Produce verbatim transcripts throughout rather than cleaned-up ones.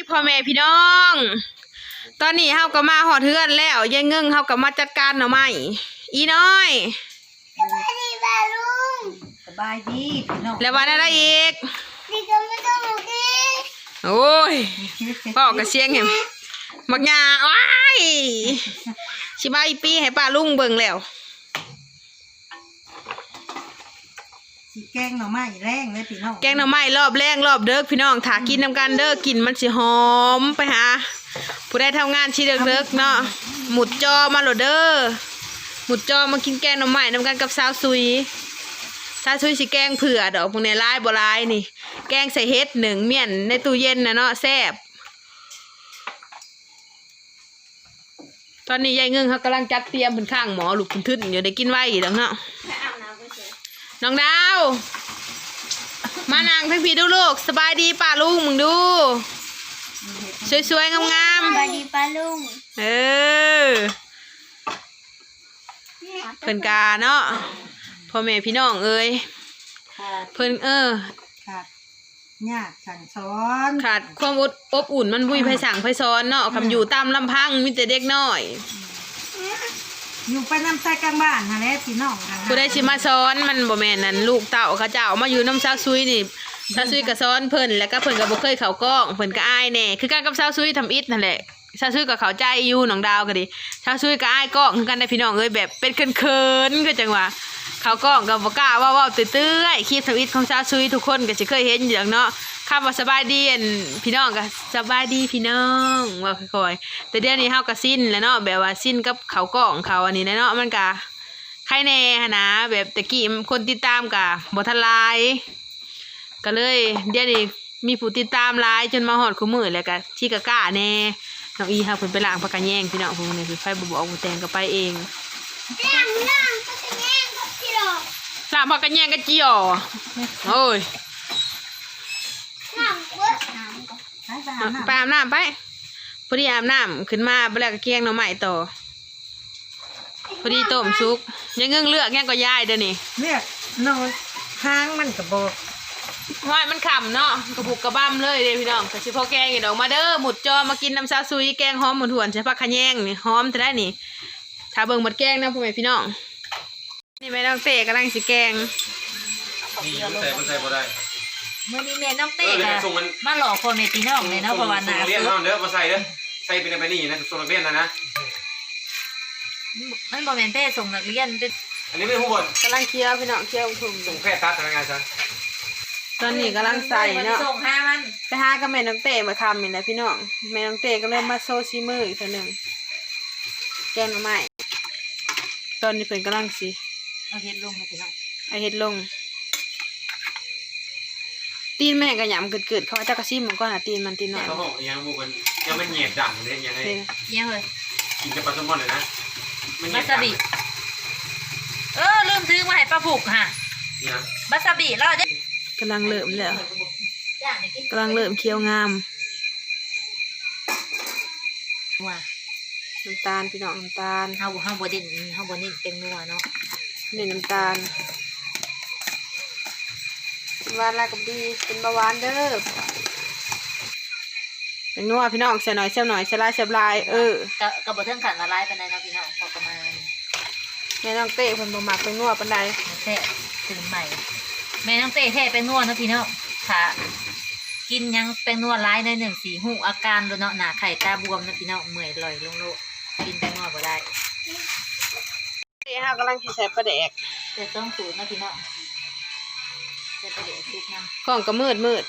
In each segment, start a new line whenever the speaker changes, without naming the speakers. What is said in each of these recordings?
พ่อแม่พี่น้องตอนนี้เฮาก็มาหอดเทือนแล้วยายเงิ่งเฮาก็มาจัดการหน่อไม้อีน้อย
สบายดีป้าลุงสบายดีพี่น้อง
แล้ววันอะไรอีก
ดีก็ไม่ต้องกิน
โอ้ยพ่อกระเชียงเห็นบักหญ้าว้ายชิบายปีให้ป้าลุงเบิ่งแล้ว
แกงหน่อไม้แรงเลยพี่น้อง
แกงหน่อไม้รอบแรงรอบเด้อพี่น้องถากินนำกันเด้อกินมันสิหอมไปหาผู้ได้ทำงานชีเด้อๆเนาะหมุดจอมาโหลดเด้อหมุดจอมากินแกงหน่อไม้นำกันกับสาวซุยสาวซุยสิแกงเผื่อดอกพวกนี้ลายบ่ลายนี่แกงใส่เห็ดหนึ่งเมี่ยนในตู้เย็นนะเนาะแซ่บตอนนี้ยายเงิ่งเขากำลังจัดเตรียมเป็นข้างหมอลูกคุณทึ่นอยู่ได้กินไว้อีกแล้วเนาะน้องดาวมานั่งทั้งพี่ดูลูกสบายดีป้าลุงมึงดูสวยๆงามๆ
สบายดีป้าลุง
เออเพิ่นกาเนาะพ่อแม่พี่น้องเอ้ยเพิ่นเออ
ขาดยากสั่งสอน
ขาดความอดอบอุ่นมันบุยไผสั่งไผซ้อนเนาะคำอยู่ตามลำพังมีแต่เด็กน้อย
อยู่ไปน้ำใส่กลางบ้านฮะแล้วพี่น้อง
ผู้ใดสิมาซ้อนมันบ่แม่นนั่นลูกเต่าเขาเจ้ามาอยู่น้ำซาวซุยนี่ซาวซุยก็ซ้อนเพิ่นแล้วก็เพิ่นก็บ่เคยเข้ากล้องเพิ่นก็อายแน่คือกันกับซาวซุยทำอิฐนั่นแหละซาวซุยก็เข้าใจอยู่น้องดาวก็ดิซาวซุยก็อายกล้องคือกันได้พี่น้องเอ้ยแบบเป็นเขินๆคือจังว่าเขากล้องก็บ่กล้าเว้าๆตื้อๆคลิปทำอิฐของซาวซุยทุกคนก็สิเคยเห็นอยู่เนาะคำว่าสบายดีอันพี่น้องก็สบายดีพี่น้องว่าค่อยๆแต่เดี๋ยวนี้เฮาก็สิ้นแล้วเนาะแบบว่าสิ้นกับเขากล้องเขาอันนี้เนาะมันก็ใครแน่นะแบบตะกี้คนติดตามก็บ่ทันหลายก็เลยเดี๋ยวนี้มีผู้ติดตามหลายจนมาฮอดคู่มื้อแล้วก็ที่ก็กล้าแน่น้องอีเฮาเพิ่นไปล้างผักกะแยงพี่น้องพวกนี้คือไฟบ่บอกบ่แต่งก็ไปเอง
ล้างล้างผักกะแยงกับจิ๋อ
ล้างผักกะแยงกับจิ๋อโอ้ยไปอาบน้ำไปพอดีอาบน้ำขึ้นมาไปแล้วก็เกียงหน่อไม้ต่อพอดีต้มซุกยังเงื่งเลือกยังก็ย่ายเดี๋ยวนี้
เลือกนอนค้างมันกระบอก
ว่ามันขำเนาะกระปุกกระบ้ามเลยเด้พี่น้องกระชิพอแกงอีดอกมาเด้อหมุดจอมากินน้ำซาซุยแกงหอมหมุนหวนใช่ปะขะแยงนี่หอมจะได้นี่ถ้าเบิ่งหมดแกงนะพ่อแม่พี่น้องนี่แม่น้องเต้กำลังสิแกง
นี่มันใส่มันใส่บ่ได้
เมื่อนี้แม่น้องเต้ค่ะมาหลอกคนในพี่น้องเลยเนาะเพราะว่าหนา
เรียนน้องเด้อมาใส่เด้อใส่เป็นไปนี่นะส่งนักเรียนนะนะ
มันบอกแม่นเต้ส่งนักเรียน
อันนี้ไม่ผู้บด
กำลังเคี่ยวพี่น้องเคี่ยวถุง
ส่งแค่ตัดทำงานซะ
ตอนนี้กำลังใส่เนาะ
ส่งห้ามัน
ไปหากับแม่น้องเต้มาทำนี่นะพี่น้องแม่น้องเต้ก็เริ่มมาโซซีมืออีกทีหนึ่งแกงหน่อไม้ตอนนี้เพิ่นกำลังสิ
เอาเห็ดลงนะพี่น้อง
ไอเห็ดลงตีนแม่กระหย่ำเกิดๆเขาจะกระซิบมันก็หาตีนมันตีนหน่อย
เขาบอกยังบุกันยังมันเหยียดดำเลยยังไง
ยังเลย
กินกับปลาแซลมอนเลยนะ
บาซาบิเออลืมซื้อมาให้ป้าผูกค่ะบาซาบิเราจะ
กำลังเริ่มแล้วกำลังเริ่มเคี้ยวงาม
ว่า
น้ำตาลพี่น้องน้ำตาล
เฮาเฮาบดินเฮาบดินเป็นนัวเนาะ
นี่น้ำตาลหวานอะไรกับดีเป็นเบาหวานเด้อเป็นนัวพี่น้องเสียหน่อยเสียหน่อยเสียลายเสียลายเออก
ระกระบอกเทิงขันละลายเป็นไงนะพี่น้องพอประมาณ
แม่น้องเต้เพิ่นบ่มักเป็นนัวปานใด
แท้ตื่นใหม่แม่น้องเต้แท้เป็นนัวนะพี่น้องค่ะกินยังเป็นนัวร้ายในหนึ่งสี่หูอาการโดนเนาะหนาไข่ตาบวมนะพี่น้องเมื่อยลอยลงโลกกินเป็นนัวบ่ได้
เต้ฮากำลังสิใส่ปลาแดก
แต่ต้องสูตรนะพี่น้องใส่ปลาแดกซุปน้
ำกล้องก็มืดมืด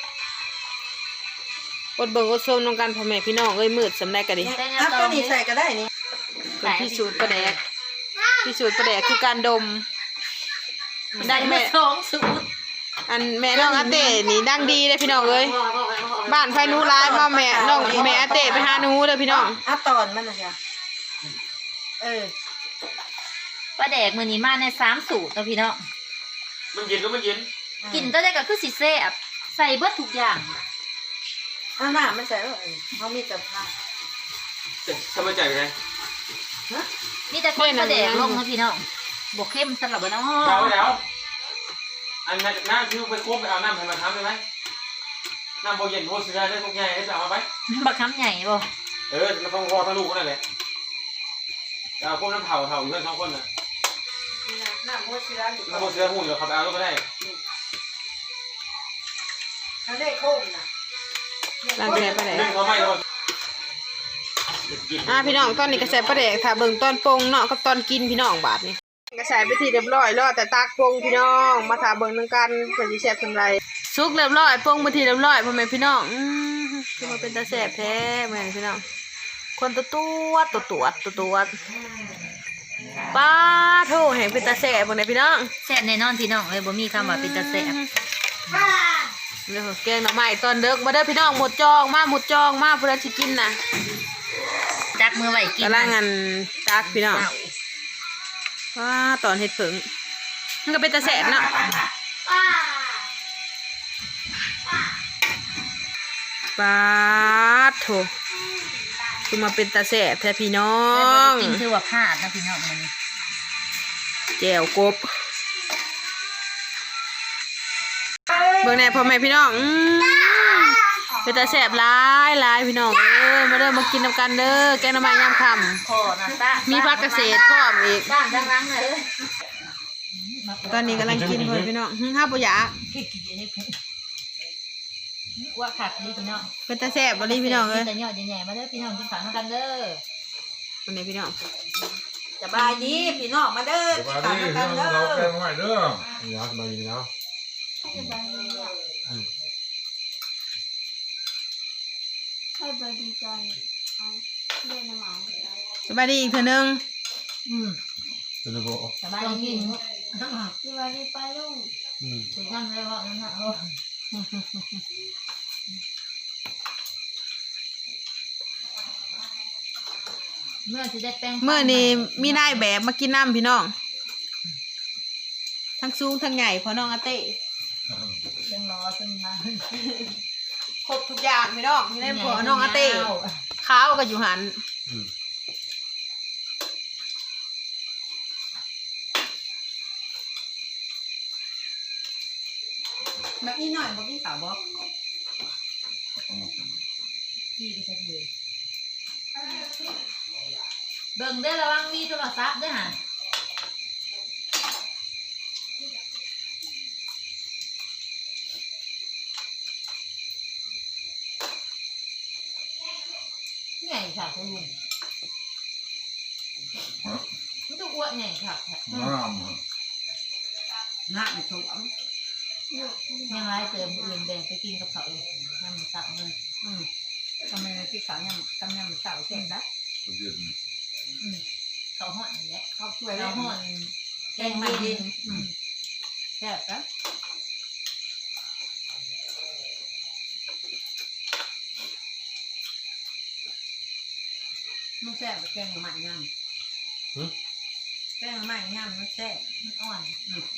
อดเบิ่งอดชมน้องกันพ่อแม่พี่น้องเอ้ยมืดสำได้ก็ดิ
อ่ะตัวนี้ใส่ก็ได้นี่
เป็นพิสูจน์ปลาแดกพิสูจน์ปลาแดกคือการดม
ได้แม่สองสูตร
อันแม่น้องอาเต้นี่ดังดีเลยพี่น้องเอ้ยบ้านไฟนูร้ายมาแม่น้องแม่อาเต้ไปหาหนูเลยพี่น้อง
อ่ะตอนมันนะจ๊ะเออ
ปลาแดกมือนี้มาในสามสูตรนะพี่น้อง
มันเย็นก็มันเย็น
กินตัวเด็กก็คือสีแซ่บใส่เบิดทุกอย่าง
อ่ะหน้าไม่ใส่แล้วเขามีแต่ผ้า
ทำไมใจไง
นี่แต่คนปลาแดกลงนะพี่น้องบวกเข้มสลับเนาะ
เดาแล้วอันนั้นน้ำที่ไปควบไปเอาน้ำให้มาทำได้ไหมน้ำโบเย็นโบเสือได้ทุกใหญ่ให้จะเอามาไป
บักคำใหญ่บ่
เออเราต้องรอทั้งลูกนั่นแหละจะเอาพวกน้ำเผาเผาอยู่กันสองคนน่ะ
น้ำโมเสืออยู่
น้ำโบเสือหูเดี๋ยวเขาไปเอาลูกก็ได้
เขาได้โค้งนะ
ล้างแผลไปไหน
นึ่งเขาไม่เรา
อ่าพี่น้องตอนนี้ก็ใส่ปลาแดกถ้าเบิ่งตอนปรุงเนาะกับตอนกินพี่น้องบาดนี้ก็ใส่ไปที่เรียบร้อยรอแต่ตากปรุงพี่น้องมาถาเบิ่งนึงกันเพิ่นสิแซ่บจังไดสุกเรียบร้อยปรุงไปที่เรียบร้อยพ่อแม่พี่น้องอือคือมาเป็นตาแซ่บแท้แม่พี่น้องคนตัวตัวตัวตัวตัวตัวป้าโธ่แห่งเป็นตาแซ่บบ่ได้พี่น้อง
แซ่บแน่นอนพี่น้องเลยบ่มีคำว่าเป็นตาแซ่บ
เด้อแกงหน่อไม้ตอนเด็กมาเด้อพี่น้องหมดจองมาหมดจองมาผู้ใดสิกินน่ะ
จักมือไหวกิน
กำลังงานตักพี่น้องว้าตอนเฮ็ดผึ่งมันก็เป็นตาแสบเนาะปาดโถคือมาเป็นตาแสบแท้พี่น้อ
แล้ว
ง
บ่ได้กินคือว่าพลาดนะพี่น้องมันนี่
แจ่วกบเบิ่งแน่พ่อแม่พี่น้องอืมเป็นตาแสบหลายหลายพี่น้องเอ้ยมาเด้อมากินนำกันเด้อแกงหน่อไม้ยามค่ำ
ขอนะตา
มีผักเกษตรพร้อมอีก
บ้านดังรังเลย
ตอนนี้กำลังกินเพื่อนพี่น้องหึห้าปุยะ
คิดกินให้เพิ่นว่าขาดนี่พี่น้อง
เป็นตาแซ่บบ่ลีพี่น้องเอ้ย
แต่ยอดใหญ่ๆมาเด้อพี่น้องกินข้าวกันเด้อ
วันนี้พี่น้อง
สบายดีพี่น้องมาเด้อ
สบายดีพี่น้องเราแกงใหม่เด้อ
นี่นะสบายดีนะ
ให้บดีใจเอาเล่นน้ำหมา
สบายดีอีกเทื่อนึง
อืม
เป็นระบบ
สบายดี
สวัสดีป้าลุง
อืม
ถึงนั่นเลยว่านั่นน่ะโอ้เมื่อสิได้แป้ง
เมื่อนี้มีนายแบบมากินน้ำพี่น้อง ทั้งสูงทั้งใหญ่พอน้องอาเต้
จังรอจังมา
ครบทุกอย่างพี่น้องมีได้พอน้องอาเต้ข้าวก็อยู่หัน
อืม
แบบนี้หน่อยบอกพี่สาวบอก
พี่ไปใช้มือเบิ่งได้อระวังมีโทรศัพท์เด้อห่ะนี่ไงค่ะคุณลุงมันต้องอ้วนไงค่ะ
น้ำ
หน้ามันสวม
ยังไรเติมอื่นแบ่งไปกินกับเขาเลยน้ำมันสับเลย
อืมทำไมพี่สาวยังกำยังสาวเส้นได้
ประเด็น
อืมเขาห่อนอย่างเงี้ย
เขาช่วย
เขา
แล้ว
ห่อน
แกงไม่ดินอืมแซ่บนะมันแซ่บแกงใหม่งามแกงใหม่งามมันแซ่บ
มันอ่อน
อืม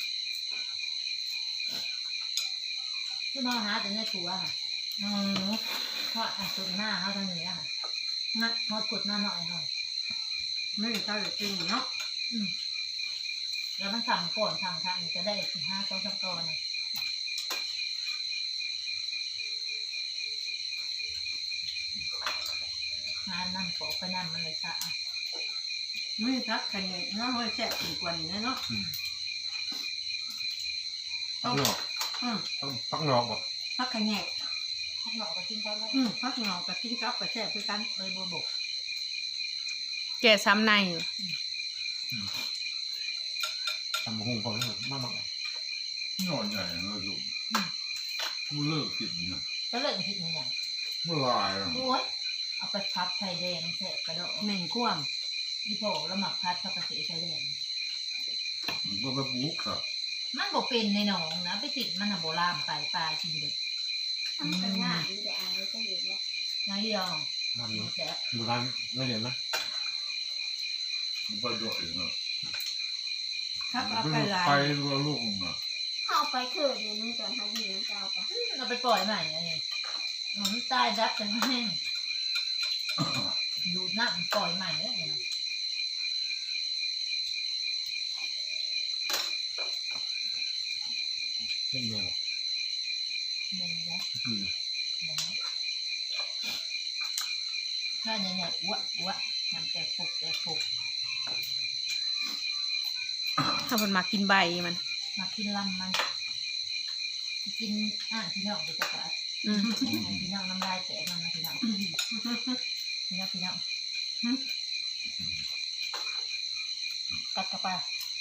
คือมาหาแต่ในตัวค่ะอืมเพราะอ่ะสุดหน้าเขาทางนี้ค่ะ
นะ
มดกุดหน้าหน่อยเขา
ไม่ใช่จริงเนาะ
อืมแล้วมันทำก่อนทำทางจะได้ห้าสองสามก้อนเลยงานนั่งโปะไปนั่นมันเลยค่ะ
ไม่ทักใครเนี่ยเนาะไม่แซ่บถึงกว่านี้เนาะ
ปักหนอก
อืม
ปักหนอกบ่
พักขะแงะ
ข้างนอกก็กินกันแล้ว
อืมพักหนอกกับกินกับกับแซ่บคือกัน
เลยบัวบก
แก่ซ้ำในอยู่
ทำหุ้งเขาเนี่ยมากมาก
นอนใหญ่เลยลูกกูเลิกกินนะ
ก็เลยคิดในอย่าง
เมื่อไรอ่ะ
โอ้ยเอาไปพับไข่แดงเสร็จกระโดด
เหม่งคว่
ยี่โผแล้วหมักพัดปกติไข่แดง
มันก็ไปปลูกครับ
มันบอกเป็นในหนองนะไปติดมันอะโบราณไปปลากินเด็ด
ทำกันง่ายดีแต่อายก็เห็นแล้ว
นายยอง
ทำเนาะ
แต่
ดูร้านไม่เห็นนะ
มันไปด้วยเนาะ
ำทัก
มัน
เอา
ไป
ไปหลาย
ไปรัวลูกมา
เข้าไปเขินเดี๋ยวนึงจนเขาดีน้ำเจ้าปะ
เราไปปล่อยใหม่ไงมันตายดับกันแห้งดูหน้ามันปล่อยใหม่เลย
เส้นเดียว
หนึ่งนะ
คือ
หถ้าใหญ่ๆอ้วอ้วมันแต่ปุกแต่ปุก
ถ้าเพิ่นมากินใบมัน
มากินลำมันกินอ่านพี่น้องไปจักร
อืม
พี่น้องน้ำลายแตกมันนะพี่น้องพี่น้องพี่น้องกัดเข้าไป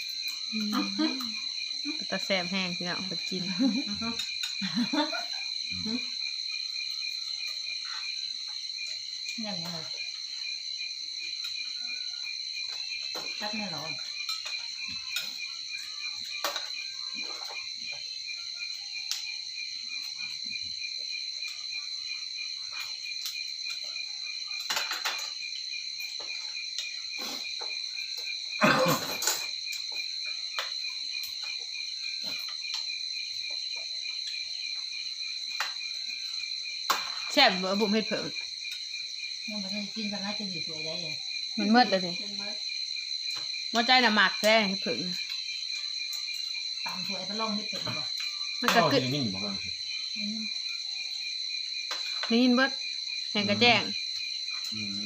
ตะแสบแห้งพี่น้องเพิ่นกิน
นั่นไงเลยกัดไม่ร้อน
แซ่บบ่บุ๋มเฮ็ดเพิ่ง
ยังไม่ได้กินสักน้อยจะอยู่สวยได้เลย
มันเมิดเลยสิ
เป็นเมิด
บ่ใจน่ะหมักแท้เฮ็ดเพิ่ง
ตามสวยไปลองนิดเดียว
มัน
ก็
ก็
คื
คือ อ
นิ่งบอกกัน
ได้ยินเบิดแห่งกระแจ้ง
อืม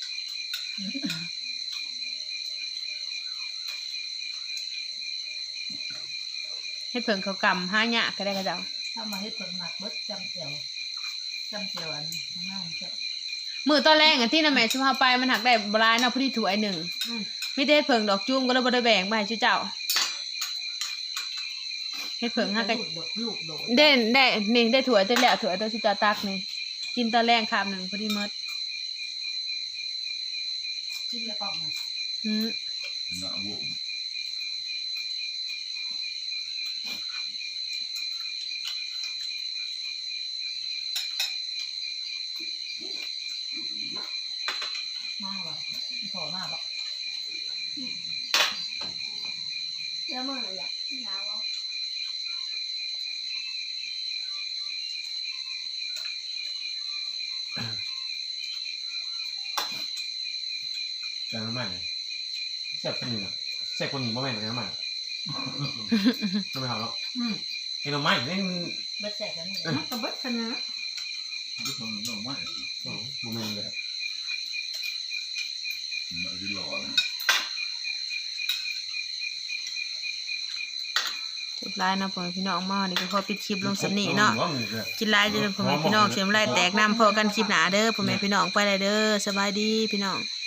เฮ็ดเพิ่งเขากำหายากก็ได้กระเจ้า
ถ้ามาให้ผลหมักเบิดจำเจียวจำเจียวอันข้างหน้ามันจะ
มื้อตอนแรกอันที่น่ะแม่สิพาไปมันหักได้บ่หลายเนาะพอดีถ้วยหนึงมีแต่เฮ็ดเพิ่งดอกจุ้มก็เลยบ่ได้แบ่งมาให้จุเจ้าเฮ็ดเพิ่งหักก็
ลูกโดดลูกโดด
ได้ได้นี่ได้ถั่วตัวแล้วถั่วตัวชิจาตักนี่กินตอนแรกคำหนึ่งพอดีหมด
กินแล้วก็มา
อืม
หน้าบุ๋ม
มากว่ะขอมากว่ะ
แล้วเมื่อไหร่อ่ะหนาวอ่ะ
แกงน้ำมันแซ่บคนนี้อ่ะแซ่บคนนี้บ่แม่นแกงน้ำมันทำไมครับเนาะแกงน้ำมันนี่มัน
เบิดแสกแล้วนี่
กับเบิดขนาด
ไม่ต้องต้องไม่
โอ้บ่แม่นเลย
มาที่หล่อนะ
จุดไลน์เนาะพ่อแม่พี่น้องมานี่ก็ขอปิดคลิปลงสำนีเนาะกินไลน์จนพ่อแม่พี่น้องเสียมไลน์แตกน้ำพอกันคลิปหนาเด้อพ่อแม่พี่น้องไปเลยเด้อสบายดีพี่น้อง